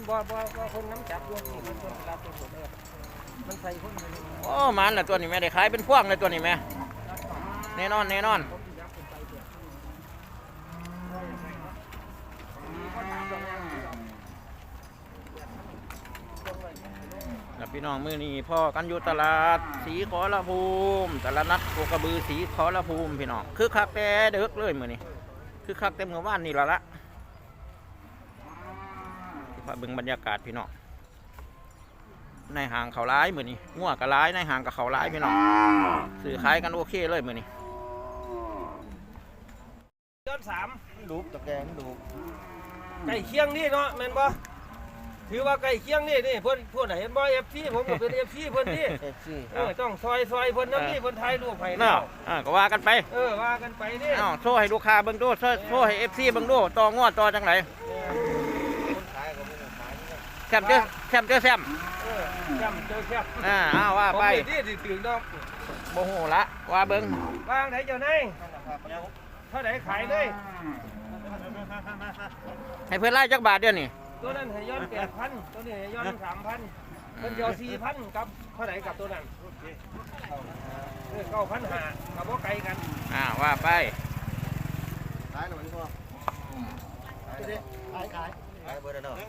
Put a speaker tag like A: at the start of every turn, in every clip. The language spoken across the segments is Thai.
A: บ่คนน้ำจับรวมนี่มันคนรับตัวหมดเลยมันใส่คนไปเลย
B: โอ้มันละตัวนี้แม่ได้ขายเป็นพวงเลยตัวนี้แม่แน่นอนพี่น้องมือนี้พ่อกันอยู่ตลาดสีขอละภูมิตลาดนัดโคกระบือสีขอละภูมิพี่น้องคือคักแต่เด็กเลยมือนี้คือคักเต็มเมื่อวานนี่ละที่พาเบิ่งบรรยากาศพี่น้องในห่างเขาร้ายมือนี้งัวกับร้ายในห่างกับเขาร้ายพี่น้องสื่อขายกันโอเคเลยมือนี้
A: ย้อน
C: ดูตะแกงดู
A: ไก่เคียงนี่เนาะแม่นบ่ถือว่าไก่เคียงนี่เพิ่นไหนเห็นบ่FCผมก็เป็นFCเพิ่นนี่ต้องซอยเพิ่นนำนี่เพิ่นถ่ายรูปให้เนาะ
B: ก็ว่ากันไป
A: ว่ากันไปนี่
B: โซ่ให้ลูกค้าเบิ่งดูโซ่ให้ FC เบิ่งดูต่องวดต่อจังไดแซมเจอแซม
A: เจอแซม
B: ว่าไป
A: นี่ถึงดอก
B: โมโหละว่าเบิ้ง
A: วางไหนเจ้านายเท่าไหร่ขายเลย
B: ให้เพื่อนไล่จักบาทเดียวนี่
A: ตัวนั้นให้ย้อน 8,000 ตัวนี้ให้ย้อน 3,000 เพิ่นเดียว 4,000 กับเท่าไหร่กับตัวนั้น9,500กับบ่ไกลกัน
B: ว่าไป
C: ขายหน่อยพ่อขายเบอร์เนาะ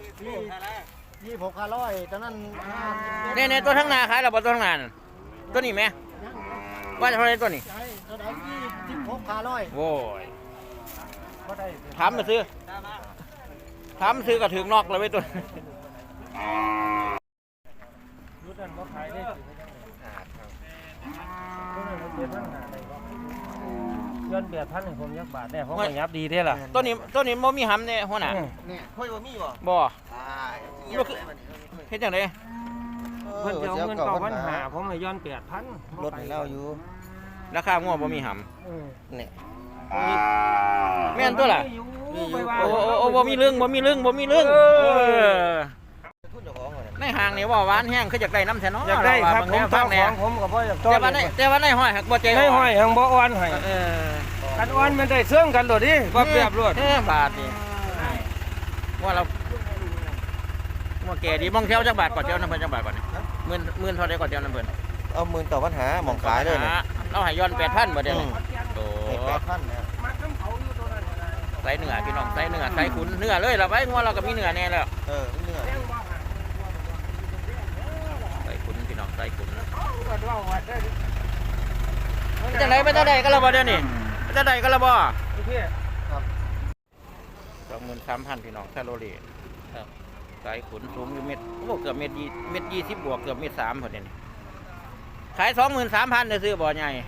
C: 26,500ตอนนั้น
B: เนี่ยตัวทั้งนาขายแล้วบ่ตัวทั้งนาตัวนี้ไหมว่าเท่าไรตัวนี้
C: ตัวไหน26,500
B: โว้ยถามมาซื้อก็ถึงนอกเลยไว้ตัว
A: รู้นั่นบ่ขายได้ตัวนั้นเจ็ดทั้งหาได้บ่ย้อน8,000ให้ผมยักบาทแน่ผมก็ยับดีเด้ล่ะ
B: ตัวนี้บ่มีหำเนี่ยหัวหน้า
C: เนี่ยค่อยบ่มี
B: บ่เฮ็ดจังได๋
A: เพิ่นจะเอาเงิน9,500ผมให้ย้อน 8,000
C: ลดให้เราอยู่
B: ราคางัวบ่มีหำ
C: เนี่ย
B: แม่นตัวล่ะโอ้บ่มีเรื่องในห้างนี่ว่าหวานแห้งคืออยากได้น้ำแท้เนาะ
A: อยากได้ครับผมฟังแหน่ผมก็บ่อยากต้อน
B: แต่ว่าในห้อยหักบ่ใจ
A: ในห้อยหังบ่อ่อนให้กันอ่อนมันได้เสื่องกันโดดดิบ่เปรียบรวด
B: บาทนี่ว่าเราว่าแก่ดีมองเที่ยวจักบาทก่อนเที่ยวน้ำเพิ่นจักบาทก่อนนี่10,000เท่าใดก่อนเที่ยวน้ำเพิ่น
C: เอา10,000ต่อปัญหาหม่องขายเลยนี่
B: เราให้ย้อน 8,000บ่เด้นี่
C: โอ้ 8,000นะ
B: ใส่เนื้อพี่น้องใส่เนื้อใส่ขุนเนื้อเลยเราไว้งัวเราก็มีเนื้อแน่แล้ว
C: เนื้อ
B: ใส่ขุนพี่น้องใส่ขุนจะไหนไม่จะได้ก็ระบเดี๋ยวนี้จะได้ก็ระบ
C: ครับ
B: 23,000พี่น้องแคลอรี่ใส่ขุนสูงอยู่เม็ดเกือบเม็ด20บวกเกือบเม็ด3พอดีนี่ขาย 23,000ได้ซื้อบ่ใหญ่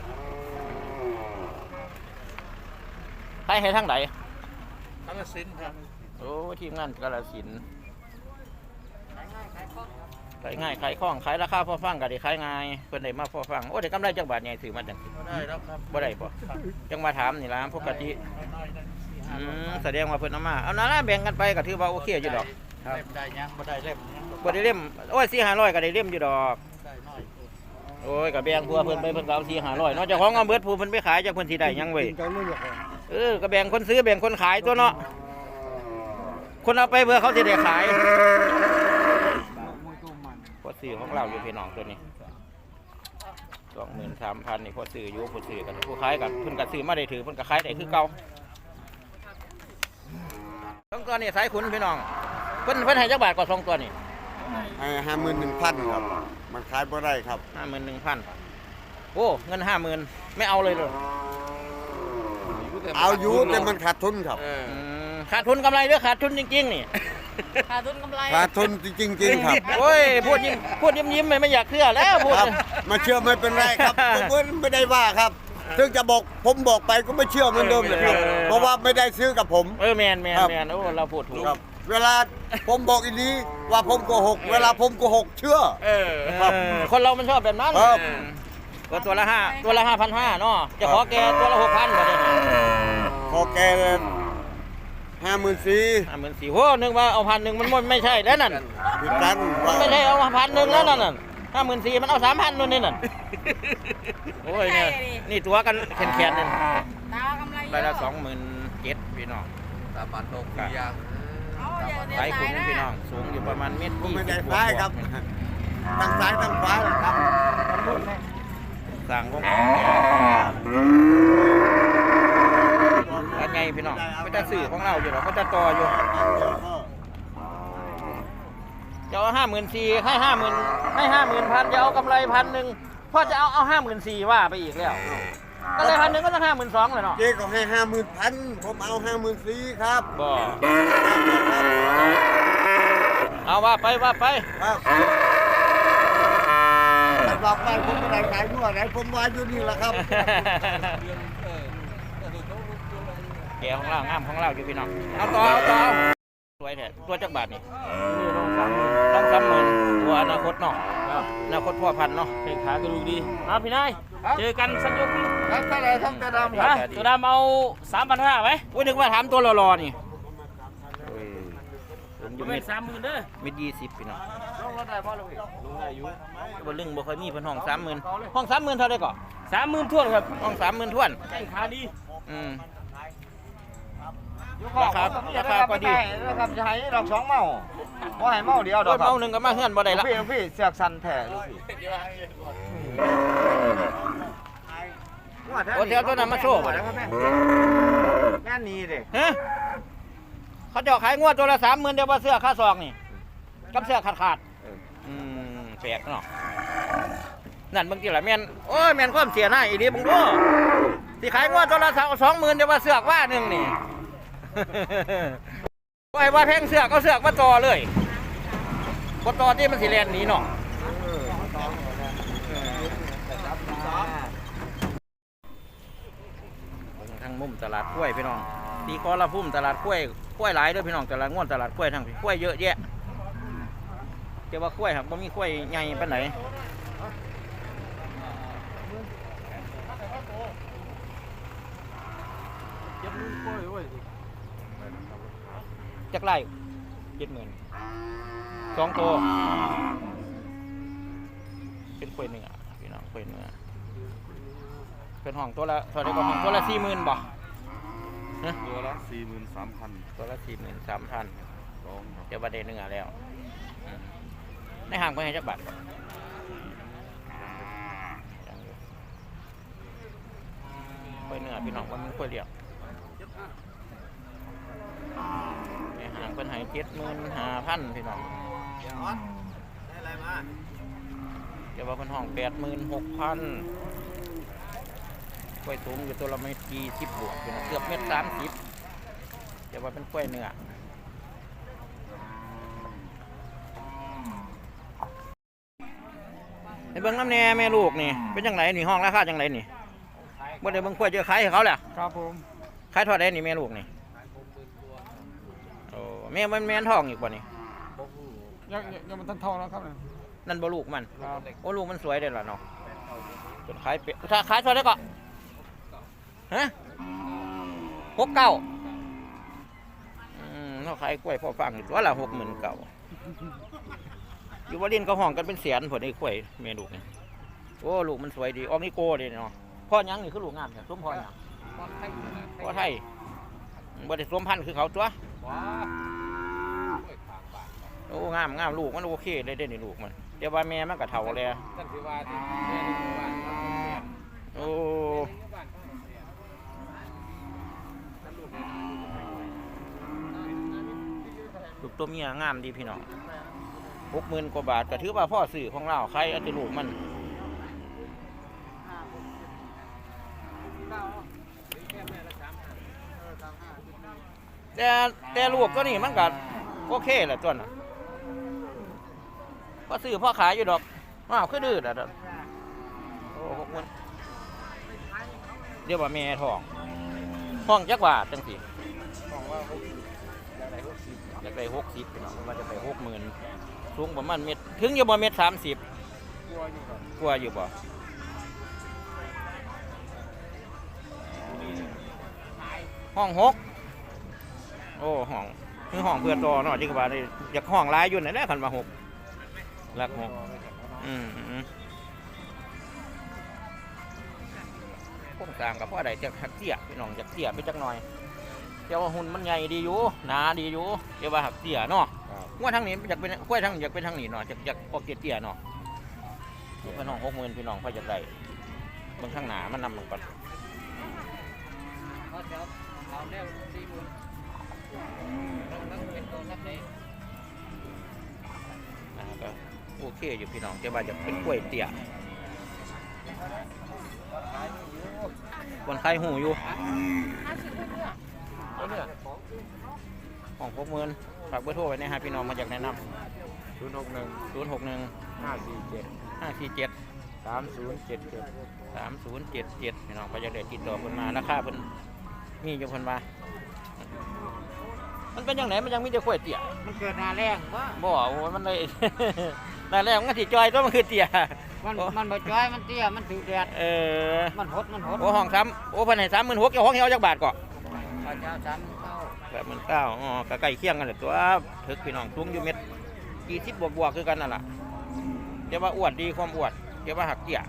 B: ขายให้ทั้งไหน
C: กาฬสินธุ์ครับ
B: โอ้ทีมงานกาฬสินธุ์ขายง่ายขายคล่องขายราคาพอฟังก็ได้ขายง่ายเพิ่นได้มาพอฟังโอ้ได้กำไรจักบาทใหญ่ถือมาจัง
C: ได้แล้วครับ
B: บ่ได้บ่จังมาถามนี่ล่ะปกติแสดงว่าเพิ่นเอามาเอานั่นล่ะแบ่งกันไปก็ถือว่าโอเคอยู่ดอก
C: ครับได้ยังบ่ได้เล่ม
B: บ่ได้เล่มโอ้ย 4-500ก็ได้เล่มอยู่ดอกโอ้ยก็แบ่งพัวเพิ่นไปเพิ่นก็เอา 4-500เนาะเจ้าของเอาเบิดผู้เพิ่นไปขายจักเพิ่นสิได้หยังเว้ยก็แบ่งคนซื้อแบ่งคนขายตัวเนาะคนเอาไปเพื่อเขาสิได้ขายพอซื้อของเราอยู่พี่น้องตัวนี้ 23,000นี่พอซื้ออยู่ผู้ซื้อกันผู้ขายกันเพิ่นก็ซื้อมาได้ถือเพิ่นก็ขายได้คือเก่า2ตัวนี้สายขุนพี่น้องเพิ่นให้จักบาทกว่า2ตัวนี่
C: ให้ 51,000 ครับมันขายบ่ได้ครับ
B: 51,000โอ้เงิน 50,000ไม่เอาเลยเหรอ
C: เอาอยู่แต่มันขาดทุนครับ
B: ขาดทุนกำไรหรือขาดทุนจริงๆนี่
D: ขาดทุนกำไร
C: ขาดทุนจริงๆครับ
B: โอ้ยพูดยิ้มไม่อยากเชื่อแล้วพูด
C: มาเชื่อไม่เป็นไรครับผมไม่ได้ว่าครับถึงจะบอกผมบอกไปก็ไม่เชื่อเหมือนเดิมเลยครับเพราะว่าไม่ได้ซื้อกับผม
B: แมนโอ้เราพูดถูก
C: เวลาผมบอกอีนี้ว่าผมโกหกเวลาผมโกหกเชื่อ
B: คนเรามันชอบแบบนั้นตัวละ5,500เนาะจะขอแกตัวละ6,000บ่ได้
C: ขอแก54,000
B: โหนึกว่าเอา1,000มันไม่ใช่แล้วนั่น
C: ผิดกัน
B: ไม่ใช่เอา1,000แล้วนั่น54,000มันเอา3,000นู่นนี่นั่นโอ้ยนี่ตัวกันแขนๆนั่นได้ละ27,000พี่น้อง
C: 3,600อย่าง
B: สายขุนพี่น้องสูงอยู่ประมาณเมตร
C: ผม
B: ยี่
C: ไม่
B: สิ
C: ได้
B: บ
C: ซ้ายครับทั้งซ้ายทั้งขวาเลยครับ
B: สั่งของอันไงพี่น้องก็จะสื่อของเราอยู่หรอกก็จะต่ออยู่จะเอา54,000ให้50,000ให้50,000จะเอากำไร1,000พ่อจะเอา54,000ว่าไปอีกแล้วก็เลย1,000ก็ต้อง52,000เลยเนาะ
C: เจ๊ก็ให้50,000ผมเอา54,000ครับ
B: บ่เอาว่าไป
C: ครับบอกไปผมไม่ได้ขายด้วยไหนผมว่าอยู่นี่แหละครับ
B: แกของเรางามของเราอยู่พี่น้องเอาต่อสวยแท้ตัวจักบาทนี่ต้อง30,000ตัวอนาคตเนาะอนาคตพ่อพันธุ์เนาะ
A: เพลงขากระดูกดีพี่นายเจอกันสักยก
C: แล้วถ้าอะไรทั้งกระดำ
A: ตัวดำเอา 3,500ไหม
B: อุ้ยนึกว่าถามตัวรอๆนี่ผมอยู่
A: เป็
B: เม็
A: น
B: ด
A: 30,000เด้อ
B: เม็ด20พี่น้อง
A: ลงรถได้ป่ะลูกลงได้อยู่
B: บ่ลึงบ่ค่อยมีเพิ่นห้อง30,000ห้อง30,000เท่าไดก่อ
A: 30,000ท่วนครับ
B: ห้อง30,000ท้วน
A: แข้งขาดี
B: ราคาก็ดี
D: นะครับจะให้ดอก2เมาบ่ให้เมาเดียวด
B: โด
D: อก
B: นเมาหนึงก็มาเฮือนบ่ได้ละ
D: พี่เสือกสันแท้ลูกพี่
B: โอ้เดี๋ยวตัวนั้นมาโชว์บ่ได้
D: แม่นี่เด้
B: ฮะเขาจะขายงวดตัวละ30,000เดี๋ยวว่าเสื้อค่าซองนี่กับเสื้อขาดแปลกเนาะนั่นบางทีละแม่นโอ้ยแม่นความเสียหน้าอีนี้มึงดูสิขายงวดตัวละ20,000เดี๋ยวว่าเสื้อว่านึงนี่ ว่าแพงเสือกเอาเสือกมาต่อเลยบ่ต่อที่มันสิแล่นหนีเนาะทางมุมตลาดกล้วยพี่น้องตีคอละพุ่มตลาดกล้วยหลายด้วยพี่น้องตลาดง่วนตลาดกล้วยทั้งกล้วยเยอะแยะแต่ว่ากล้วยครับบ่มีกล้วยใหญ่ปานไหนจักไร่70,000 2 ตัวเป็นกล้วยเนื้อพี่น้องกล้วยเนื้อเป็นห้องตัวละเท่าไหร่ก็ห้องตัวละ40,000บ่
E: ตัวละ43,000
B: ตัวละ43,000เดี๋ยวบัดเดเนื้อแล้วในห้างไปให้จักบาทกล้วยเนื้อพี่น้องว่ามันกล้วยเลี้ยงในห้างเพิ่นให้75,000พี่น้องเดี๋ยวว่าเพิ่นห้อง86,000กล้วยสูงอยู่ตัวละเม็ด20บวกพี่น้องเกือบเม็ด30เดี๋ยวว่าเป็นกล้วยเนื้อในเบิ่งน้ำแน่แม่ลูกนี่เป็นจังไดนี่ห้องราคาจังไดนี่บ่ได้เบิ่งกล้วยเจอขายให้เขาแหละ
D: ครับผม
B: ขายเท่าใดนี่แม่ลูกนี่โอ้แม่มันแม่นท้องอีกบ่นี่
D: ยังมันทันทองแล้วครับ
B: นั่นบ่ลูกมัน
D: ครับ
B: โอ้ลูกมันสวยเด้อล่ะเนาะจนขายเป็ดถ้าขายเท่าใดก็ฮะ69เนาะขายกล้วยพอฟังอยู่ตัวละ60,000เก่าอยู่ว่าเล่นก็ห้องกันเป็นแสนผลไอ้กล้วยแม่ลูกนี่โอ้ลูกมันสวยดีออกนิโก้เด้เนาะพ่อยังนี่คือลูกงามแท้สมพ่อหยังพ่อไทยบ่ได้สวมพันธุ์คือเขาตัวโอ้งามลูกมันโอเคเลยเด้นี่ลูกมันเดี๋ยวว่าแม่มันก็เฒ่าแล้วโอ้ลูกตัวเมียงามดีพี่น้อง60,000 กว่าบาทก็ถือว่าพ่อซื้อของเราใครเอาแต่ลูกมันแต่ลูกก็นี่มันก็โอเคแหละตัวน่ะพ่อซื้อพ่อขายอยู่ดอกว้าวคือดื้ออ่ะดอกโอ้60,000เดี๋ยวว่าแม่ท้องจักว่าจังสิอยากได้60พี่น้องว่าจะไป60,000สูงประมาณเม็ดถึงอยู่บ่เม็ด30กลัวอยู่บ่ห้อง6โอ้ห้องคือห้องเพื่อต่อเนาะจริงว่าได้อยากห้องหลายอยู่นั่นแหละคันว่า6หลัก6โครงสร้างก็พอได้จักเตี้ยพี่น้องจักเตี้ยไปจักหน่อยแต่ว่าหุ่นมันใหญ่ดีอยู่หนาดีอยู่แต่ว่าหักเตี้ยเนาะว่าทางนี้อยากเป็นกล้วยทางอยากเป็นทางนี้เนาะอยากออกเตี้ยเนาะพี่น้อง60,000พี่น้องพอจะได้เบิ่งข้างหน้ามันนำมันก่อนก็โอเคอยู่พี่น้องแต่ว่าจะเป็นกล้วยเตี้ยคนไข้หูอยู่ของ60,000ฝากเบอร์โทรไว้นะฮะพี่น้องมาจากแนะนำ061 3077พี่น้องก็จะได้ติดต่อเพิ่นมาราคาเพิ่นมีอยู่เพิ่นว่ามันเป็นยังไงมันยังมีแต่กล้วยเตี้ย
F: มันเกิดหนาแรงวะ
B: บ่โอ้มันเลย นั่นแหละมันก็สิจอยตัวมันคือเตี้ย
F: มันบ่จ้อยมันเตี้ยมันถือแดด มันหด
B: โอ้ห้องซ้ำโอ้เพิ่นให้36,000เจ้าของเฮาจักบาทก่อ
F: ข้าเจ้าซ้ำเข้า
B: 89,000อ๋อก็ใกล้เคียงกันแหละตัวถึกพี่น้องสูงอยู่เม็ด20บวกๆคือกันนั่นล่ะเดี๋ยวว่าอ้วนดีความอ้วนเดี๋ยวว่าหักเตี้ย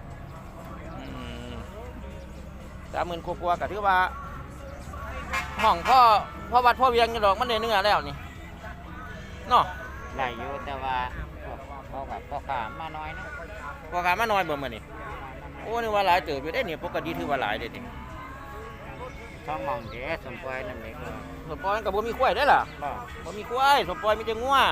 B: 30,000กว่าๆก็ถือว่าห้องพ่อวัดพ่อเวียงอยู่ดอกมันได้เนื้อแล้วนี่เนาะ
F: ไหลอยู่แต่ว่าพอขามาน้อยนะ
B: พอขามาน้อยเบิ่มื้อนี้โอ้นี่ว่าหลายเติบอยู่เด้นี่ปกติถือว่าหลายเด้นี่
F: ท้องมองเด้สมปล่อยนั่นเอง
B: สมปอยมันก็บ่มีควายได้ล่ะบ่มีควายสมปอยมีแต่งัว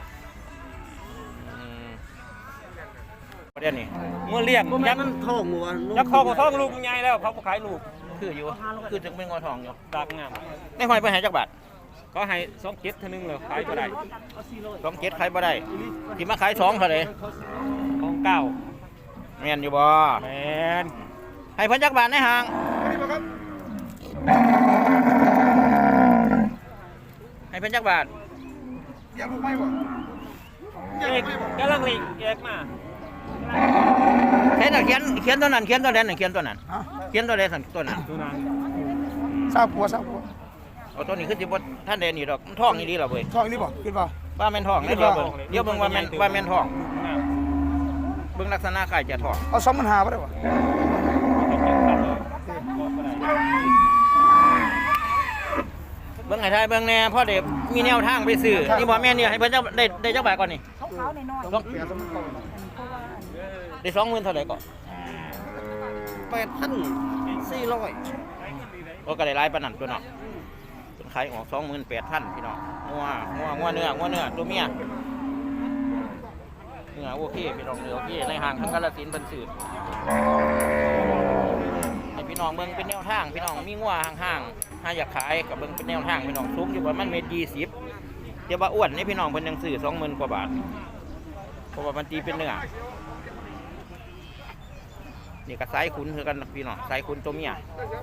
B: ประเด็นนี้งัวเลี้ยงยักษ์
C: ท้องวัว
A: ยักษ์คอกับท้องลูกใหญ่แล้วเขาขายลูก
B: คืออยู่คือถึงเป็นงัวทองอยู่
A: ดากงาม
B: ในหอยไปหาจักบาท
A: ก็ให้2 7เท่านึงเลยขายบ่ได้
B: 27ขายบ่ได้ที่มาขาย2เท่าใด
A: ของเก่า
B: แม่นอยู่บ่
A: แมน
B: ให้เพิ่นจักบาทในห้างให้เพิ่นจักบาท
A: เอกกำลังเล็กแยกมา
B: เขียนตัวนั้นเขียนตัวนั้นเขียนตัวนั้นเขียนตัวใดสั่นตัวนั้น
A: ดูนาง
D: ทราบปัว
B: เอาตัวนี้คือสิบ่ท่านใดนี่ดอกมันท้องนี่ดีล่ะเว้ย
D: ท้องนี่บ่ขึ้นบ่
B: ว่าแม่นท้องนะเดี๋ยวเบิ่งว่าแม่นท้องเบิ่งลักษณะคล้ายจะท้อง
D: เอา2,500บ่ได้บ่
B: เบิ่งให้ทายเบิ่งแน่พ่อเด็กมีแนวทางไปซื้อนี่บ่แม่นนี่ให้เพิ่นจักได้จักบาทก่อนนี่
G: เขาในน้อย
B: ต้องได้20,000เท่าไหร่ก่อน
C: 8,400
B: โอ้ก็ได้หลายปานนั้นตัวเนาะเพิ่นขายออก 28,000พี่น้องงัวเนื้อตัวเมียเนื้อโอเคพี่น้องเนื้อโอเคในห้างทั้งกาฬสินธุ์เพิ่นซื้อให้พี่น้องเบิ่งเป็นแนวทางพี่น้องมีงัวห่างๆถ้าอยากขายก็เบิ่งเป็นแนวทางพี่น้องสูงอยู่ประมาณ1.20 เดี๋ยวว่าอ้วนนี่พี่น้องเพิ่นยังซื้อ 20,000 กว่าบาทเพราะว่ามันตีเป็นเนื้อนี่ก็สายขุนคือกันพี่น้องสายขุนตัวเมีย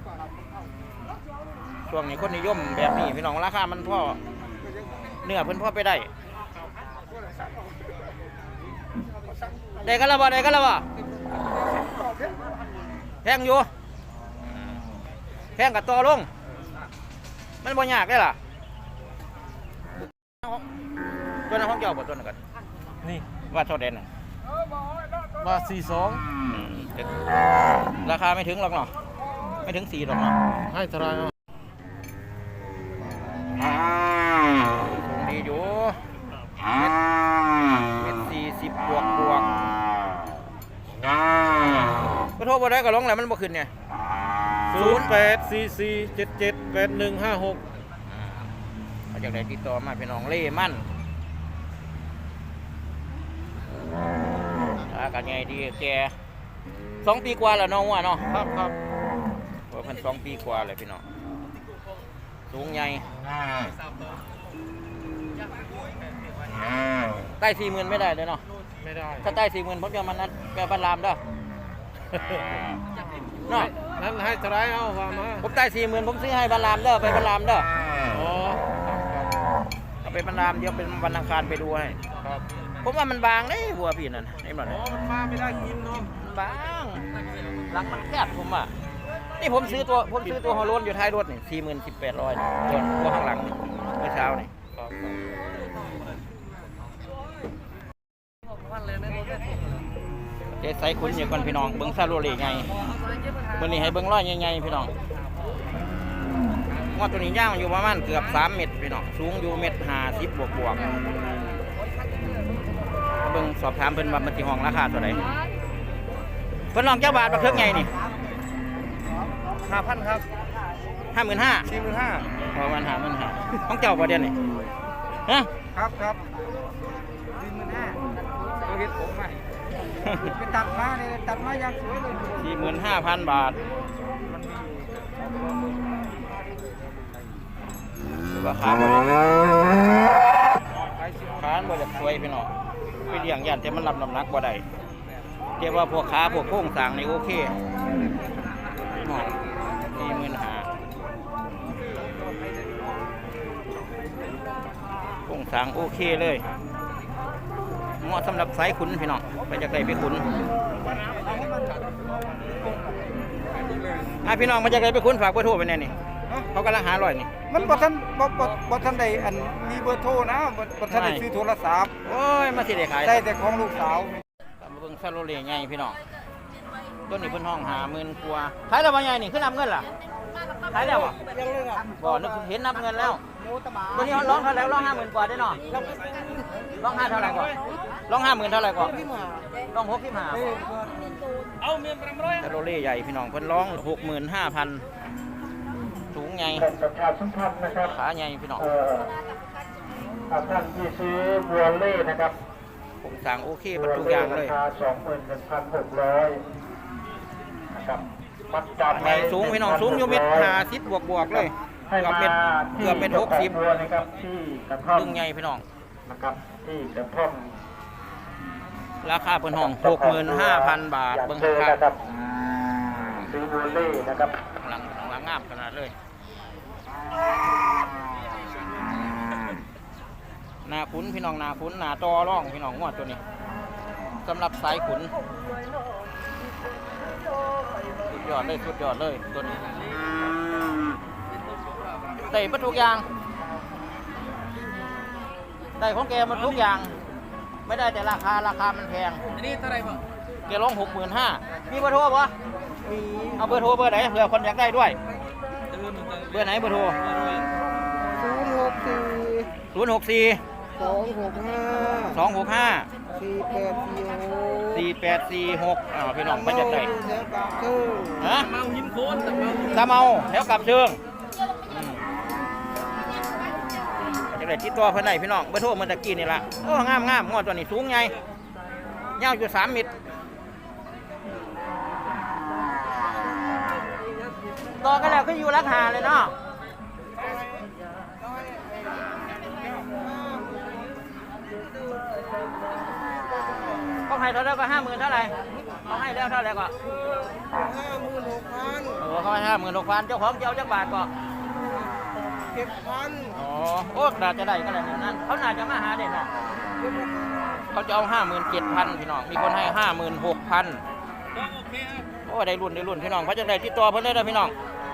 B: ช่วงนี้คนนิยมแบบนี้พี่น้องราคามันพอเนื้อเพิ่นพอไปได้กันแล้วบ่แพงอยู่แพงกับต่อลงมันบ่ยากได้ล่ะตัวนั้นของเจ้าบ่ตัวนั้นกัน
A: นี่
B: ว่าเท่าเด่นน่ะ
A: ว่า42
B: ราคาไม่ถึงหรอกเนาะไม่ถึง4หรอกเนาะ
A: ให้เท่าไหร่เนาะ
B: ดีอยู่เม็ด40บวกก็โทรบ่ได้ก็ลงแล้วมันบ่ขึ้นเนี่ย
A: 0844778156
B: เขาจากไหนติดต่อมาพี่น้องเล่มั่นกันไงดีแก2 ปีกว่าแล้วน้องว่าเนาะ
A: ครับ
B: ว่าเพิ่น2 ปีกว่าเลยพี่น้องสูงใหญ่ใต้ 40,000 ไม่ได้เลยเนาะ
A: ไม่ได้
B: ถ้าใต้ 40,000ผมจะมันนัดแปลบันรามเด้อ เนาะ
A: นั้นให้เท่าไหร่เอาว่ามา
B: ผมใต้40,000ผมซื้อให้บันรามเด้อไปบันรามเด้อ
A: อ๋อ
B: เอาไปบันรามเดี๋ยวเป็นวันอังคารไปดูให้
A: ครับ
B: ผมว่ามันบางเด้วัวพี่นั่นไอ้หมด
A: อ๋อมันมาไม่ได้กินเนาะ
B: บางหลังมันแคบผมอ่ะนี่ผมซื้อตัวฮอลโลนอยู่ท้ายรถนี่40,800ตัวข้างหลังนี่เมื่อเช้านี่เจ๊ใส่คุณอยู่ก่อนพี่น้องเบิ้งซาโรเล่ไงเบิ้งนี่ให้เบิ้งร้อยใหญ่ๆพี่น้องงวดตัวนี้ย่างอยู่ประมาณเกือบ3 เมตรพี่น้องสูงอยู่1.50 บวกเบิ่งสอบถามเพิ่นว่ามันสิห้องราคาเท่าไหร่เพิ่นลองเจ้าบาทบักเทิกใหญ่นี่
A: 5,000ครับ
B: 55,000
A: 45,000
B: ประมาณ55,000ของเจ้าบ่เดือนนี่ฮะ
A: ครับ45,000ตัวเฮ็ดผมใหม่ไปตัดมาเนี่ยตัดมาอย่างสวยเลย
B: 45,000 บาทราคาบ่ได้ขานบ่ได้สวยพี่น้องไปเลี้ยงย่านแต่มันรับน้ำหนักบ่ได้แต่ว่าพวกขาพวกโครงสร้างนี่โอเคน้อย45,000โครงสร้างโอเคเลยเหมาะสำหรับสายขุนพี่น้องไปจากใดไปขุนพี่น้องมาจากใดไปขุนฝากเบอร์โทรไปแน่นี่เขากำลังหา100นี่
A: มันบ่ทันได้อันมีเบอร์โทรนะบ่ทันได้ซื้อโทรศัพท์
B: โอ้ยมาสิได้ขาย
A: ได้แต่ของลูกสาว
B: ตามมาเบิ่งซาโลเล่ใหญ่พี่น้องต้นนี้เพิ่นห้อง50,000กว่าขายแล้วบ่ใหญ่นี่คือนับเงินล่ะขายแล้วบ่บ่นึกเห็นนับเงินแล้วตัวนี้ร้องเท่าไหร่ร้อง50,000กว่าได้เนาะร้อง5เท่าไหร่ก่อนร้อง50,000เท่าไหร่ก่อนร้อง65เอาเมียน300ซาโลเล่ใหญ่พี่น้องเพิ่นร้อง65,000สูงใหญ่
G: ประชาสัมพันธ์นะครับ
B: ขาใหญ่พี่น้อง
G: ท่านที่ซื้อบัวเล่นะครับ
B: โครงสร้างโอเคหมดทุกอย่างเลย
G: ราคา 21,600 นะครับมัดจำ
B: ใหญ่สูงพี่น้องสูงอยู่1.50 บวกเลย
G: ให้
B: เกือบ
G: มา
B: เมตร
G: ที่
B: 60
G: บัวนะครับที่กระท่อม
B: ดึงใหญ่พี่น้อง
G: นะครับที่กระท่อม
B: ราคาเพิ่นห้อง 65,000 บาทเบิ่ง
G: เจอ
B: รา
G: นะค
B: คา
G: รับซื้อบัวเล่นะครับ
B: หลังงามขนาดเลยหน้าขุนพี่น้องหน้าขุนหน้าตอร่องพี่น้องงวดตัวนี้สำหรับสายขุนสุดยอดเลยตัวนี้ได้ประทุกอย่างได้ของแกมันทุกอย่างไม่ได้แต่ราคามันแพงอันนี้เท่าไหร่บ่แกร้อง65,000มีเบอร์โทรปะมีเอาเบอร์โทรเบอร์ไหนเผื่อคนอยากได้ด้วยเบอร์ไหนเบอร์โทร064 265 4846พี่น้องไปจากไหนฮะเมาหินโคนตะเมาแล้วกลับเชิงจากไหนที่ตัวเพื่อนไหนพี่น้องเบอร์โทรเมื่อตะกี้นี่ละโอ้งามงวดตัวนี้สูงไงยาวอยู่3 เมตรต่อกันแล้วก็อยู่ราคาเลยเนาะเขาให้เท่าไหร่ก็50,000เท่าไหร่เขาให้แล้วเท่าไหร่ก็56,000เขาให้56,000เจ้าของเจ้าจักบาทก็7,000อ๋อโอ้น่าจะได้ก็แล้วนั่นเขาน่าจะมาหาเด่นเนาะเขาจะเอา57,000พี่น้องมีคนให้56,000โอ้ได้รุ่นพี่น้องเขาจะได้ติดต่อเพิ่นเลยนะพี่น้อง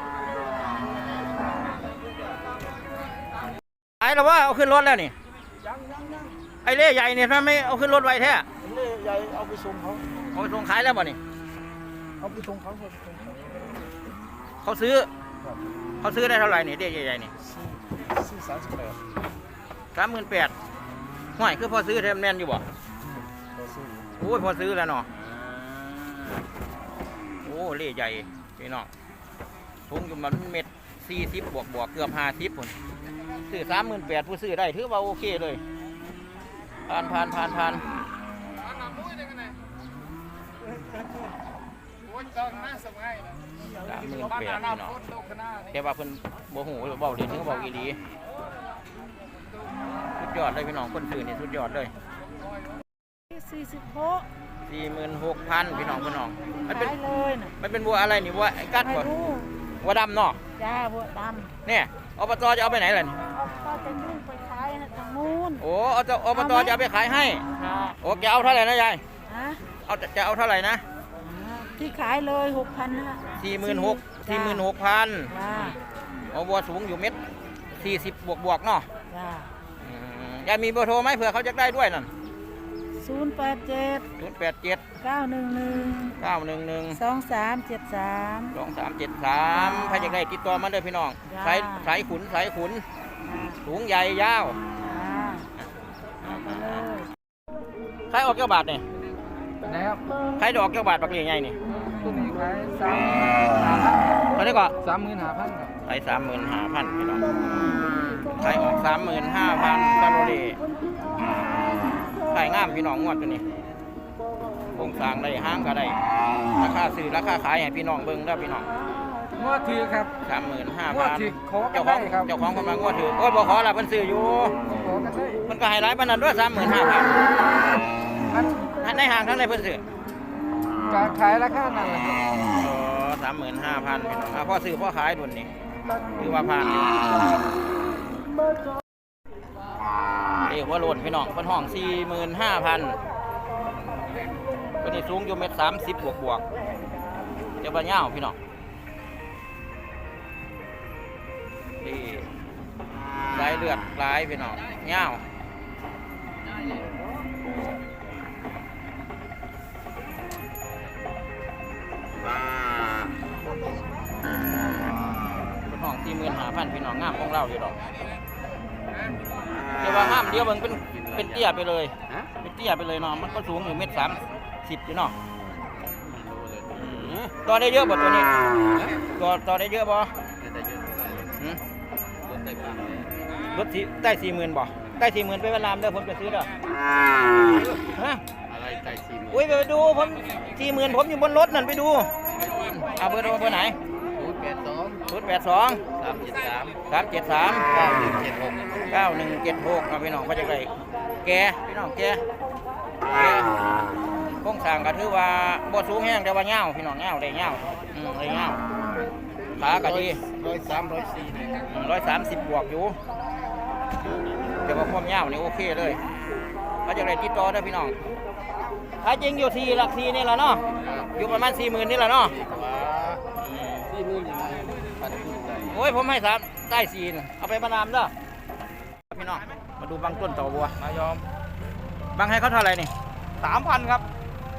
B: ไอ้เราว่าเอาขึ้นรถแล้วนี่ไอ้เล่ใหญ่เนี่ยทำไมเอาขึ้นรถไวแท้
D: เล่ใหญ่เอาไปส่งเขา
B: เอาไปส่งขายแล้วบ่นี่
D: เอาไปส่งเขา
B: เขาซื้อได้เท่าไหร่นี่เล่ใหญ่ๆนี่
D: ซื้อ38
B: 38,000ห่วยคือพอซื้อแทมแน่นอยู่บ่โอ้ยพอซื้อแล้วเนาะโอ้เล่ใหญ่พี่น้องทุงอยู่มัน1.40 บวกเกือบ50พุ่นซื้อ38,000ผู้ซื้อได้ถือว่าโอเคเลยผ่าน38,000พี่น้องแต่ว่าเพิ่นบ่ฮู้เว้าเรียนถึงเว้าอีหลีสุดยอดเลยพี่น้องคนซื้อนี่สุดยอดเลย46,000พี่น้องมันเป็น
H: เลยนะ
B: มันเป็นบัวอะไรนี่บัวไอ้กัดบ่บัวดำเนาะ
H: จ้าบัวดำ
B: เนี่ยอบตจะเอาไปไหนล่ะนี่
H: ก็จะยุ่งไปขายทางนู้น
B: โอ้อบตจะเอาไปขายให้
H: ค่ะ
B: โอ้จะเอาเท่าไหร่นะยาย
H: ฮะ
B: จะเอาเท่าไหร่นะ
H: ที่ขายเลย6,000นะ
B: 46,000
H: จ้า
B: เอาบัวสูงอยู่1.40 บวกเนาะ
H: จ้า
B: ยายมีเบอร์โทรไหมเผื่อเขาจะได้ด้วยนั่น
H: 087
B: 087
H: 911
B: 911
H: 2373
B: 2373ใครจะได้ติดต่อมาเลยพี่น้อง
H: จ้า
B: สายขุนสูงใหญ่ยาว
H: เอาไปเลย
B: ใครออกเกี่ยวบาทเนี่ย
D: นะครับ
B: ใครดอกเกี่ยวบาทปักเลี้ยงใหญ่นี่
D: ตัวนี้ขาย
B: ตอนนี้ก็
D: 35,000ครับ
B: ขาย35,000พี่น้องขายออก35,000ซาโรเล่ขายงามพี่น้องงวดตัวนี้โครงสร้างได้ห้างก็ได้ราคาซื้อราคาขายให้พี่น้องเบิ่งเด้อพี่น้อง
D: งวดถือครับ งวดถือ
B: 35,000
D: ขอกันได้ครับ
B: เจ้าของคนมางวดถือโอ้ยบ่ขอละเพิ่นซื้ออยู่
D: ขอกันได้
B: มันก็ให้หลายปานนั้นด้วย
D: มัน
B: 35,000ในห้างทั้งในเพิ่นซื้อ
D: การขายราคานั่นแหละครับ
B: อ๋อ35,000พี่น้องพ่อซื้อพ่อขายดุนนี่คือว่าผ่านอยู่หัวโลนพี่น้องเพิ่นห้อง 45,000ตัวนี้สูงอยู่1.30 บวกเจ้าบ่ยาวพี่น้องนี่สายเลือดหลายพี่น้องยาวเป็นห้อง 45,000พี่น้องงามของเราอยู่ดอกเดี๋ยวว่างามเดี๋ยวมันเป็นเตี้ยไปเลยเป็นเตี้ยไปเลยเนาะมันก็สูงอยู่1.30พี่น้องต่อได้เยอะบ่ตัวนี้ต่อได้เยอะบ่หืมรถที่ได้ 40,000บ่ได้ 40,000ไปเวียดนามเด้อผมจะซื้อเด้อฮะอะไรได้ 40,000อุ้ยไปดูผม40,000ผมอยู่บนรถนั่นไปดูเอาเบอร์โทรเบอร์ไหน082 373 9176เอาพี่น้องเขาจะได้แกพี่น้องแกโครงสร้างก็ถือว่าบ่สูงแห้งแต่ว่าเงาพี่น้องเงาได้เงาได้เงาขาก็ดี130 บวกอยู่แต่ว่าความเงานี่โอเคเลยเขาจะได้ติดต่อได้พี่น้องถ้าจริงอยู่ที่หลัก4นี่แหละเนาะอยู่ประมาณ 40,000 นี่แหละเนาะโอ้ยผมให้3ได้4นะเอาไปประนามเด้อพี่น้องมาดูบางต้นต่อบัวมายอมบางให้เขาเท่าไหร่นี่
D: 3,000 ครับ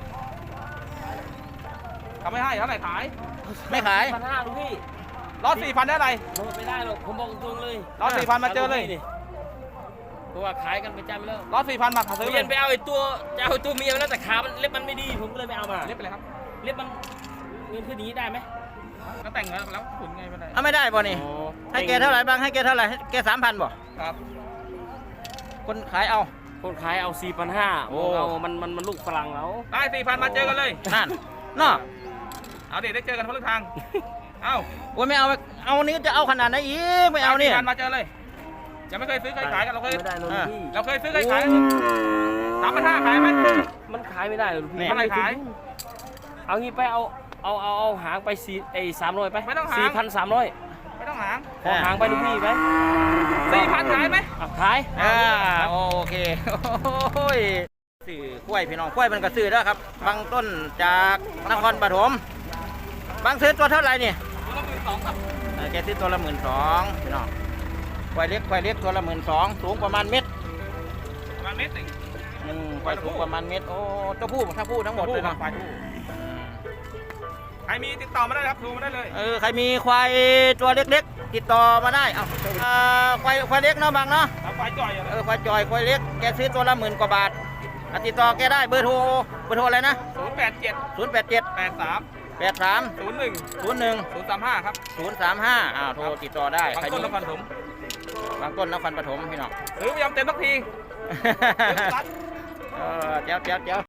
D: ทำไม่ให้เท่าไหร่ขาย
B: ไม่ขาย
A: 1,500ลูกพี่
D: รอด 4,000 ได้ไร
A: ไม่ได้หรอกผมบอกตรงเลย
D: รอด 4,000 มาเจอเลย
A: เพราะว่าขายกันประจำแล้ว
D: รอด 4,000 มาซื้อ
A: เปลี่ยนไปเอาไอ้ตัวจะเอาไอ้ตัวเมียมาแล้วแต่ขามันเล็บมันไม่ดีผมก็เลยไม่เอามา
D: เล็บไปเลยครับ
A: เล็บมันเงินขึ้นอย่างนี้ได้ไหม
D: ก็แต่งแล้วขุนไงไม่ได้
B: เอาไม่ได้บ่นี่ให้แกเท่าไหร่บางให้แกเท่าไหร่ให้แก 3,000บ่
D: ครับ
B: คนขายเอา
A: คนขายเอา 4,500
B: โอ้
A: เอามันลูกฝรั่งแล้ว
D: ได้ 4,000 มาเจอกันเลย
B: นั่นเนาะ
D: เอาเดี๋ยวได้เจอกันคนละทาง เอา
B: โอ้ยไม่เอานี้จะเอาขนาดไหนอีกไม่เอานี่
D: 4,000 มาเจอเลยยังไม่เคยซื้อเคยขายกันเราเคย
A: ไม่ได้เลย
B: อ่า
A: พี่
D: เราเคยซื้อเคยขาย3,500 ขายไหม
A: มันขายไม่ได้เลยพี่
D: เท่าไหร่ขาย
A: เอางี้ไปเอาหางไป300ไป
D: ไม่ต้องหาง
A: 4,300
D: ไม่ต้องหาง
A: ขอหางไปลูกพี่ไหม
D: 4,000 ขายไหม
A: ขาย
B: โอเคโอ้ยซื้อกล้วยพี่น้องกล้วยมันก็ซื้อแล้วครับบางต้นจากนครปฐมบางซื้อตัวเท่าไหร่นี่
D: 12,000 ครับ
B: แกซื้อตัวละ12,000พี่น้องควายเล็กตัวละ12,000สูงประมาณเม็ด
D: ประมาณเมตรหนึ่ง
B: ควายสูงประมาณเม็ดโอ้ตัวผู้ถ้าผู้ทั้งหมดเลยเนาะ
D: ควายผู้ใครมีติดต่อมาได้ครับโทรมาได้เลย
B: ใครมีควายตัวเล็กๆติดต่อมาได้ควายเล็กเนาะบางเนาะ
D: เอาควายจ่อยอยู่
B: ควายจอยควายเล็กแกซื้อตัวละ10,000 กว่าบาทติดต่อแกได้เบอร์โทรอะไรนะ
D: 087
B: 087
D: 83
B: 83
D: 01
B: 01
D: 035 ครับ
B: 035โทรติดต่อได้
D: บางต้นนครปฐม
B: บางต้นนครปฐมพี่น้อง
D: ซื้อไม่ยอมเต็มสักที
B: เจ้า